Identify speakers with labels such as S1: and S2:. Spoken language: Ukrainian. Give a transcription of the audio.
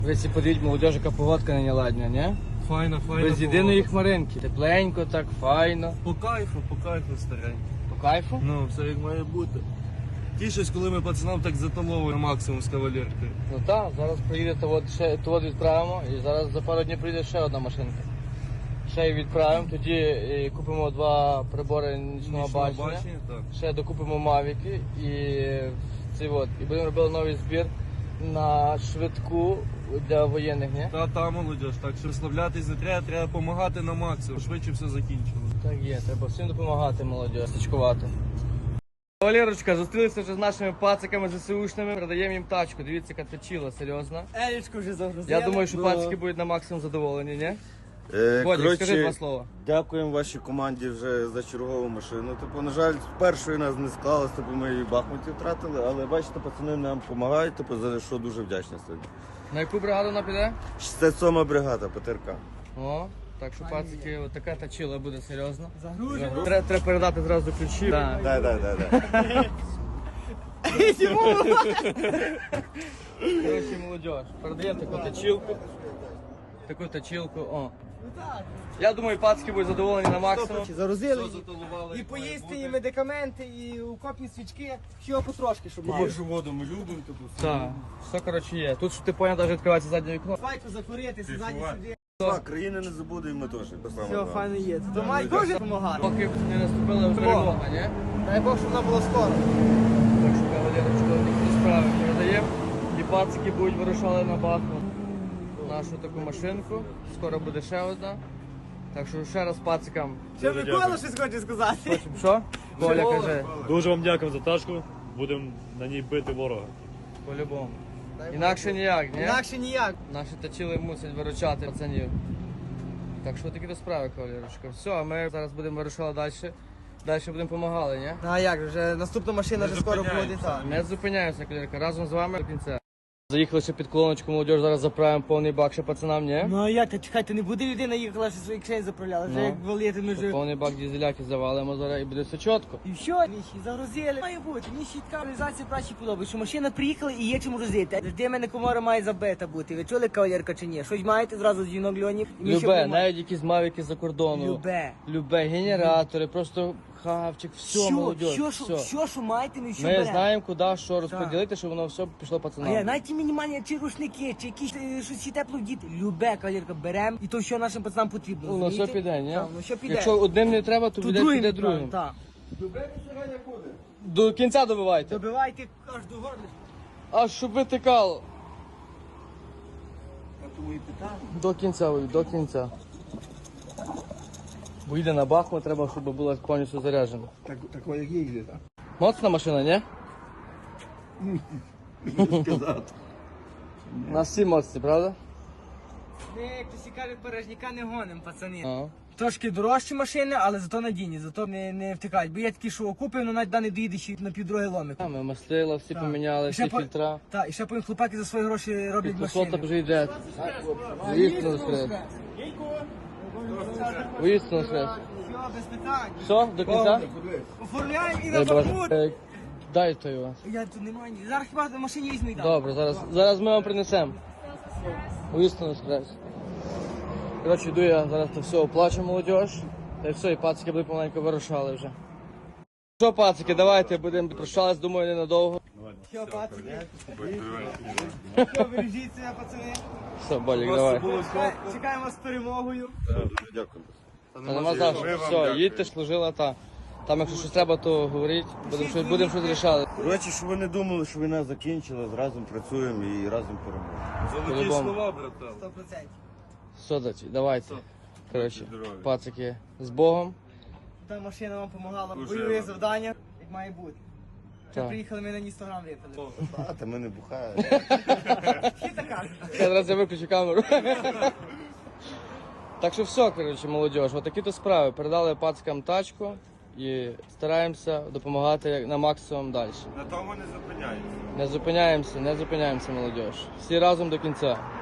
S1: Ви всі подивіть, молодіж, яка погодка не ладня, не?
S2: Файна.
S1: Без єдиної хмаринки. Тепленько, так, файно.
S2: По кайфу, старенько.
S1: По кайфу?
S2: Ну, все як має бути. Тішусь, коли ми пацанам так заталовуємо максимум з кавалеркою.
S1: Ну так, зараз приїде, то от відправимо, і зараз за пару днів прийде ще одна машинка. Ще її відправимо, тоді купимо 2 прибори нічного бачення.
S2: Так.
S1: Ще докупимо мавіки і будемо робити новий збір на швидку для воєнних, ні?
S2: Та молодіж, так що розслаблятись не треба, треба допомагати на максимум, швидше все закінчилось.
S1: Так є, треба всім допомагати, молодь, стачкувати. Валерочка, зустрілися вже з нашими пациками ЗСУшними, продаємо їм тачку, дивіться, яка точила, серйозно.
S3: Елічку вже загрузили.
S1: Я думаю, що пацики будуть на максимум задоволені, ні? Бодік,
S4: Коротше,
S1: скажи 2 слова.
S4: дякуємо вашій команді вже за чергову машину. Типу, на жаль, першої нас не склалось, типу, ми її в Бахмуті втратили, але бачите, пацани нам допомагають, типу, за що дуже вдячні сьогодні.
S1: На яку бригаду вона піде?
S4: 67-ма бригада, ПТРК.
S1: О, так що пацики, от така точила буде, серйозно.
S3: Загружено.
S1: Треба передати зразу ключі. Да.
S4: Да.
S1: Короче, молодь, передаємо таку точилку, о. Я думаю, пацики будуть задоволені на максимум.
S3: Загрузили
S2: Все заталували,
S3: і
S2: як
S3: поїсти,
S2: має
S3: і
S2: бути.
S3: медикаменти, і укопні свічки. Всього потрошки, щоб мали.
S2: воду ми любимо, типу.
S1: Так, все, коротше, є. Тут, щоб ти поняв, навіть відкривається заднє вікно.
S3: Свайку закурити, ззаді сюди.
S4: Так, країни не забудемо, і ми теж.
S3: Все, файно є. То має дуже допомагати.
S1: Поки не наступила перемога, ні?
S3: Дай Бог, щоб вона була скоро.
S1: Так що, кавалерочка, такі справи передаємо. І пацики будуть вирушали на Бахмут. Нашу таку машинку. Скоро буде ще одна. Так що ще раз пацикам.
S3: Ще Микола щось хоче сказати.
S1: Що? Коля каже,
S5: Дуже вам дякую за тачку. Будемо на ній бити ворога.
S1: по-любому. Інакше ніяк, ні?
S3: Інакше ніяк.
S1: Наші точили мусять виручати пацанів. Так що такі то справи, кавалерочка. Все, а ми зараз будемо вирушати далі. Далі будемо допомагали, ні?
S3: А як же, вже наступна машина вже скоро буде. Так.
S1: Не зупиняємося, кавалерка. Разом з вами до кінця. Заїхали ще під колоночку, молодь, зараз заправимо повний бак ще пацанам, ні?
S3: Ну а як, та чекайте, не буде людина їхала, що свої кишені заправляла. Вже
S1: Ну.
S3: як валити ми вже.
S1: Повний бак дізеляки завалимо зараз і буде все чітко.
S3: І все, міші, загрузили. Має бути, мені ще така організація праці подобається, що машина приїхала і є чим грузити. Завжди мене комора має забита бути. Ви чули, кавалерка, чи ні? Щось маєте зразу з жінок льонів? І ми ще
S1: Любе,
S3: будемо-
S1: навіть якісь мавіки за кордону. Любе, генератори, просто хавчик, все, молодь, все.
S3: Все, що маєте, ми все
S1: Ми
S3: беремо.
S1: знаємо, куди, що розподілити, щоб воно все пішло
S3: А я
S1: пацанам.
S3: навіть ті мінімальні, чи рушники, чи якісь щось ще тепло діти. Любе, кавалерка, беремо, і то все нашим пацанам потрібно.
S1: Ну, все
S3: розумієте?
S1: піде, ні?
S3: Так, ну що піде.
S1: Якщо одним не треба, то
S3: то
S1: піде
S3: другим
S1: другим.
S3: відправимо, так.
S1: До кінця добивайте.
S3: Добивайте кожну горлишку.
S1: Аж щоб витикало. До кінця, Ой, до кінця. Бо йде на Бахмут, треба, щоб була повністю заряджена.
S6: Такое як їздить, а?
S1: Моцна машина, ні?
S6: Сказати.
S1: У нас всі моцні, правда?
S3: Ми, як то всі кажуть, порожняка не гоним, пацани.
S1: Ага.
S3: Трошки дорожчі машини, але зато надійні, зато не втикають. Бо є такі, що окупив, але навіть не доїде ще на півдороги ломик.
S1: А, ми мастила, всі поміняли,
S3: І ще
S1: всі фільтра.
S3: Так, і ще потім хлопаки за свої гроші роблять
S1: Підписота
S3: машини.
S1: вже йде. Воістину скрез. Воістину скрез.
S3: Все, без питань.
S1: Все, до кінця?
S3: Оформляємо і
S1: Дай
S3: на
S1: Боже.
S3: Бахмут.
S1: Дай той у вас.
S3: Я тут немає. Зараз хіба в машині візьму і дам.
S1: Добре, зараз ми вам принесемо. Воістину скрез. Коротше, йду я зараз то все оплачу, молодіж. Та й все, і пацики будуть помаленьку вирушали вже. Що, пацики, давайте будемо прощались, думаю, ненадовго.
S3: Все, пацани. Все, бережіть себе, пацани.
S1: Все, Болік, давай.
S3: Чекаємо з перемогою.
S4: Дякую.
S1: Та нема за що. Все, їдьте, служила та. Там, якщо щось треба, то говоріть, будемо щось рішати.
S4: Коротше, щоб ви не думали, що війна закінчилась, разом працюємо і разом переможемо.
S2: Золоті
S1: По-любому.
S2: слова, братан.
S3: 100%.
S1: Все, дачі, давайте. Коротше, пацики, з Богом.
S3: Та машина вам допомагала.
S2: Дуже
S3: Бойові
S2: рада.
S3: завдання, як має бути. Вже
S1: Так.
S3: приїхали, ми на Інстаграм випили.
S4: А, та ми не бухаємо.
S3: Всі така.
S1: Зараз я виключу камеру. Так що все, коротше, молодь, отакі то справи. Передали пацикам тачку і стараємося допомагати на максимум далі.
S2: На тому не зупиняємося.
S1: Не зупиняємося, молодь. Всі разом до кінця.